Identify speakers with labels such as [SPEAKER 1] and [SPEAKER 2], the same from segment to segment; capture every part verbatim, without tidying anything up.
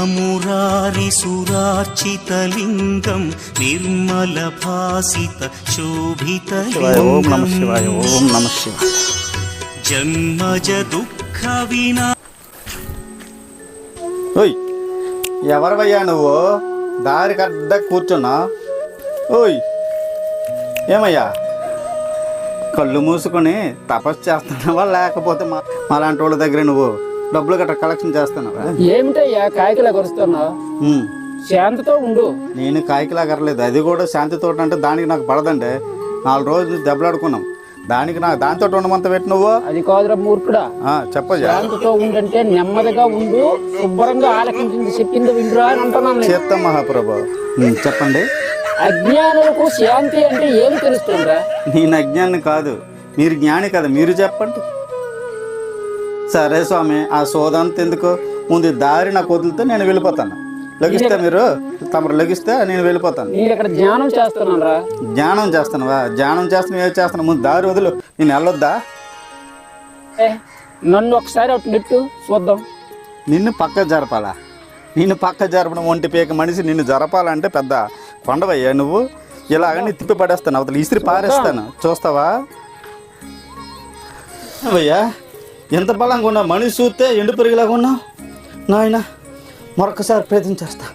[SPEAKER 1] మురారి సురార్చితలింగం నిర్మల భాసిత శోభిత
[SPEAKER 2] ఓం నమః శివాయ ఓం నమః శివాయ.
[SPEAKER 1] జన్మజ దుఃఖ వినా.
[SPEAKER 2] ఓయ్ ఎవరివయ్యా నువ్వు? దారి కడ్డ కూర్చున్నా. ఓయ్ ఏమయ్యా, కళ్ళు మూసుకొని తపస్సు చేస్తున్నావా లేకపోతే మా మాలాంటి వాళ్ళ దగ్గర నువ్వు డబ్బులు గట్రా కలెక్షన్ చేస్తున్నావా?
[SPEAKER 3] ఏమిటయ్యా కాయకిలా కొరుస్తున్నావు? శాంతితో ఉండు.
[SPEAKER 2] నేను కాయకిలా కరలేదు, అది కూడా శాంతితో అంటే దానికి నాకు పడదండి. నాలుగు రోజులు దెబ్బలాడుకున్నాం, దానికి నాకు దాంతో ఉండమంత పెట్టి నువ్వు.
[SPEAKER 3] అది కాదురా మూర్ఖుడా,
[SPEAKER 2] చెప్పజా.
[SPEAKER 3] శాంతితో ఉండంటే నెమ్మదిగా ఉండు, శుభ్రంగా ఆలకించింది చెప్పింది వింటురా అని అంటున్నాను.
[SPEAKER 2] చెప్తాం మహాప్రభు, చెప్పండి.
[SPEAKER 3] అజ్ఞానులకు శాంతి అంటే ఏమి తెలుస్తుందా?
[SPEAKER 2] నేను అజ్ఞాని కాదు, మీరు జ్ఞాని కదా, మీరు చెప్పండి. సరే స్వామి, ఆ సోదంత ఎందుకు, ముందు దారి నాకు వదిలితే నేను వెళ్ళిపోతాను. లగిస్తే మీరు తమరు లగిస్తే నేను వెళ్ళిపోతాను.
[SPEAKER 3] నేను ఇక్కడ జ్ఞానం చేస్తున్నాను రా.
[SPEAKER 2] జ్ఞానం చేస్తున్నావా? జ్ఞానం చేస్తున్నా ఏం చేస్తున్నా, ముందు దారి వదులు, నేను వెళ్ళొద్దా?
[SPEAKER 3] నన్ను ఒకసారి ఒకటి నెట్టు చూద్దాం.
[SPEAKER 2] నిన్ను పక్క జరపాలా? నిన్ను పక్క జరపడం ఒంటి పీక మనిషి నిన్ను జరపాలంటే పెద్ద కొండవయ్యా నువ్వు. ఇలాగని తిప్పి పడేస్తాను, అవతల ఇసిరి పారేస్తాను, చూస్తావా? అవయ్యా ఎంత బలంగా ఉన్నావు, మనిషి చూస్తే ఎండు పెరిగిలాగా ఉన్నావు. నాయన మరొకసారి ప్రయత్నం చేస్తా.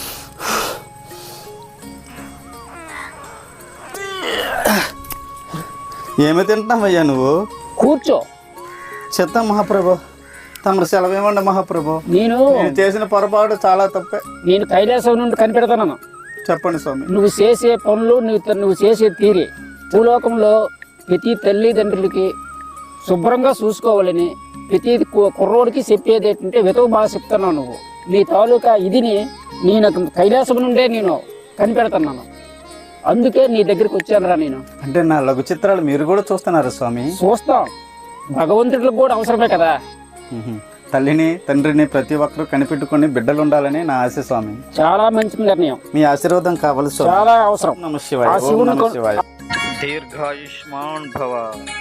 [SPEAKER 2] ఏమి తింటున్నావయ్యా నువ్వు?
[SPEAKER 3] కూర్చో.
[SPEAKER 2] చెత్త మహాప్రభు, తమరు సెలవు ఇవ్వండి మహాప్రభు.
[SPEAKER 3] నేను
[SPEAKER 2] నేను చేసిన పొరపాటు చాలా తప్పే.
[SPEAKER 3] నేను కైలాసం నుండి కనిపెడతాను.
[SPEAKER 2] చెప్పండి స్వామి.
[SPEAKER 3] నువ్వు చేసే పనులు, నువ్వు నువ్వు చేసే తీరి భూలోకంలో ప్రతి తల్లిదండ్రులకి శుభ్రంగా చూసుకోవాలని ప్రతి కుర్రోడికి చెప్పేది ఏంటంటే వెతుకు బాగా చెప్తున్నావు నువ్వు. నీ తాలూకా ఇదిని నేను కైలాసం నుండే నేను కనిపెడుతున్నాను, అందుకే నీ దగ్గరికి వచ్చానురా నేను.
[SPEAKER 2] అంటే నా లఘు చిత్రాలు మీరు కూడా చూస్తున్నారు స్వామి?
[SPEAKER 3] చూస్తాం, భగవంతుడికి కూడా అవసరమే కదా.
[SPEAKER 2] తల్లిని తండ్రిని ప్రతి ఒక్కరూ కనిపెట్టుకుని బిడ్డలు ఉండాలని నా ఆశ స్వామి.
[SPEAKER 3] చాలా మంచి నిర్ణయం,
[SPEAKER 2] మీ ఆశీర్వాదం కావాలి స్వామి.
[SPEAKER 3] చాలా అవసరం.
[SPEAKER 2] నమః శివాయ. దీర్ఘాయుష్మాన్ భవ.